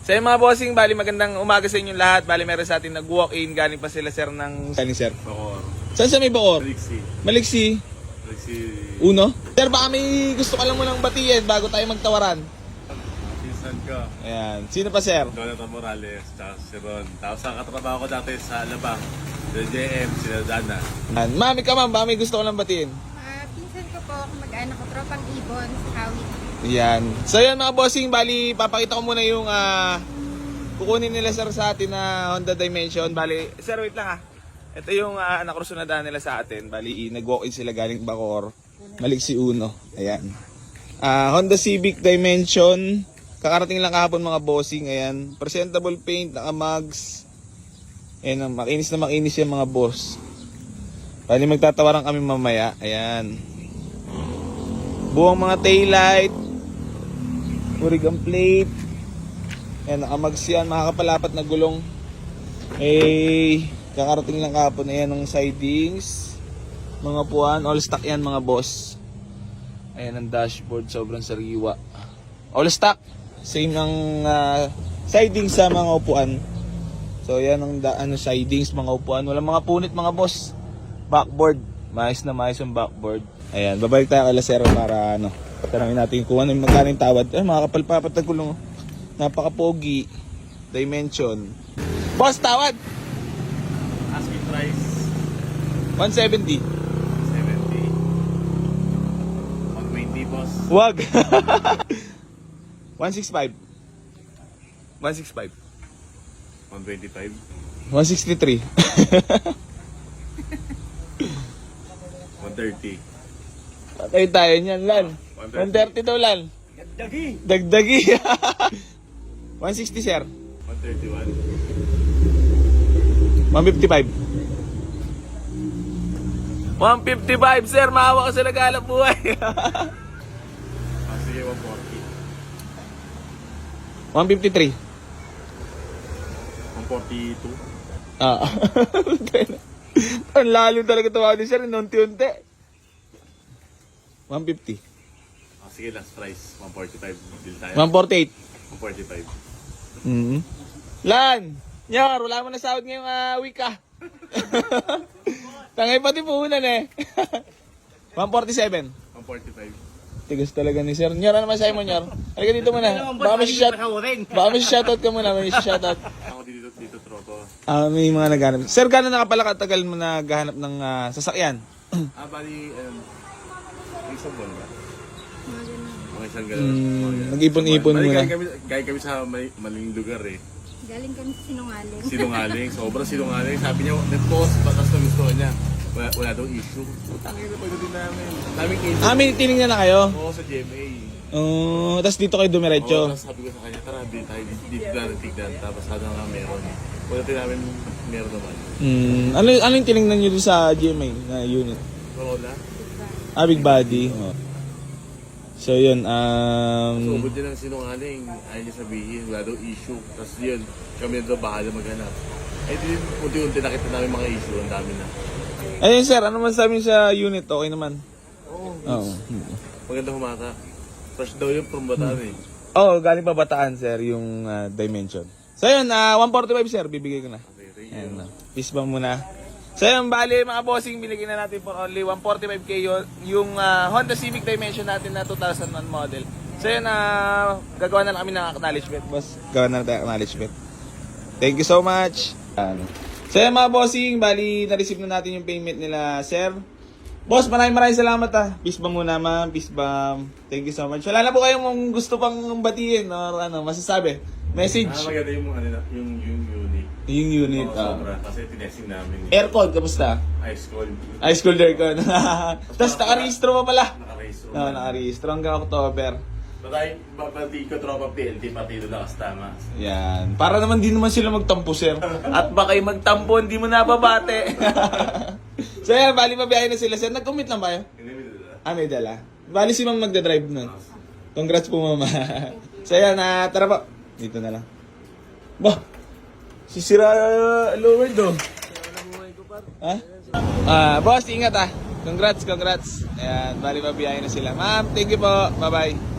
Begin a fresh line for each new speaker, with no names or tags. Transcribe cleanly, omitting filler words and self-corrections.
Sa mga bossing, bali magandang umaga sa inyong lahat. Bali meron sa atin nag-walk-in. Galing pa sila sir ng... Galing sir?
Bacoor.
Saan sa may Bacoor?
Maliksi.
Maliksi.
Maliksi.
Uno? Sir, baka may gusto ka lang munang batiin bago tayo magtawaran.
Pinsan ko.
Ayan. Sino pa sir?
Jonathan Morales, tsaka si Ron. Tapos ang katrabaho ko dati sa Alabang. Sila JM, sila Dana.
Ayan. Mami ka ma'am, baka may gusto ka lang batiin.
Pinsan ko po, mag-anak ko, tropang ibon sa Kawit.
Yan. So yan mga bossing, bali papakita ko muna yung kukunin nila sir sa atin na Honda Dimension. Bali, sir wait lang Ito yung nakruso na daan nila sa atin. Bali, nag-walk-in sila galing Bacoor. Maliksi Uno. Ayan. Honda Civic Dimension. Kakarating lang kahapon mga bossing. Ayan. Presentable paint, naka-mags. Ayan, makinis na makinis yung mga boss. Bali, magtatawaran kami mamaya. Ayan. Buong mga taillight. Origang plate. Ayan, nakamags yan. Makakapalapat na gulong. Kakarating lang kahapon. Ayan, ng sidings. Mga puwan. All stock yan mga boss. Ayan, ang dashboard. Sobrang sariwa. All stock. Same ang sidings sa mga upuan. So, ayan ang sidings, mga upuan. Walang mga punit mga boss. Backboard. Maayos na maayos yung backboard. Ayan, babalik tayo kay Lasero para tanongin natin kung ano yung magkano yung tawad. Mga kapalpapat na gulong. Napaka-pogi. Dimension. Boss, tawad!
Asking price,
170.
70. 120, boss.
Wag! 165. 165.
125.
163.
130.
Patay tayo niyan, Lan. 130 daw, Lan.
Dagdagi.
Dagdagi. 160, sir.
131.
155. 155, sir. Maawa ka sa naghalap buhay.
Sige, 140.
153.
142.
Ang lalo talaga tawa ni sir. Unti-unti. 150.
Sige, last price, 145. Deal tayo.
148.
145.
Lan! Nyar, wala mo na sahod ngayong week Tangay pati puhunan 147.
145.
Tigas talaga ni sir. Nyar, ano masahe mo, Nyar? Halika dito muna. Baka may shoutout ka muna. May shoutout.
Ako dito tropo.
May mga naghanap. Sir, gano'n na kapala katagal mo naghahanap ng sasakyan?
Bali, isang buwan ba? Mga isang
Nag-ipon-ipon muna.
Galing kami sa maling lugar
Galing kami sa Sinungaling.
Sinungaling, sobrang sinungaling. Sabi niya, net-post, batas na gusto niya. Wala daw issue. Putangin na pagdating namin. Daming issue.
May tinignan na kayo?
Oo, sa GMA.
Tapos dito kayo dumiretso?
Oo, tapos sabi ko sa kanya, tara, bilhin tayo dito na tignan. Tapos sana nga meron. Pagdating namin, meron naman.
Ano yung tinignan nyo doon sa GMA na unit?
Wala.
Big body. So yun,
So, ubod din ang sinungaling. Ayaw niya sabihin, wala daw issue. Tapos yun, kami na daw bahala maghanap. Din, unti-unti nakita namin mga issue, ang dami na.
Ayun sir, ano man sabi niyo sa unit? Okay naman?
Oo. Maganda humata. Fresh daw yun from Bataan
Galing pa Bataan sir, yung Dimension. So yun, 145 sir, bibigay ko na.
Okay,
Ayan na. Peace bomb muna. So yun, bali mga bossing, binigyan na natin for only 145k yung Honda Civic Dimension natin na 2001 model. So yun, gagawa na lang kami ng acknowledgement, boss. Gagawa na lang tayo acknowledgement. Thank you so much. So yun mga bossing, bali na-receive na natin yung payment nila, sir. Boss, maraming salamat Peace bomb muna ma'am, peace bomb. Thank you so much. Wala na po kayong gusto pang batiin or masasabi? Message?
Maganda yung unit.
Yung unit.
Sobra. Kasi tinesting namin.
Aircon, kamusta?
Ice cold.
Ice cold aircon. Tapos nakarehistro pa pala.
Naka-race room.
Nakarehistro hanggang October.
Pati ko tropa PLT, pati doon nakastama.
Yan. Para naman di naman sila magtampo, sir. At baka yung magtampo, hindi mo nababate. So yan, bali mabiyahe na sila, sir. Nag-commit lang ba kayo?
Hindi mo dala.
May dala. Bali si ma'am magdadrive nun. Congrats po, mama. So yan, tara po. Dito na lang. Bah! Sisira lower do. Boss, ingat Congrats. Ayan, bali mabiyahe na sila. Ma'am, thank you po. Bye-bye.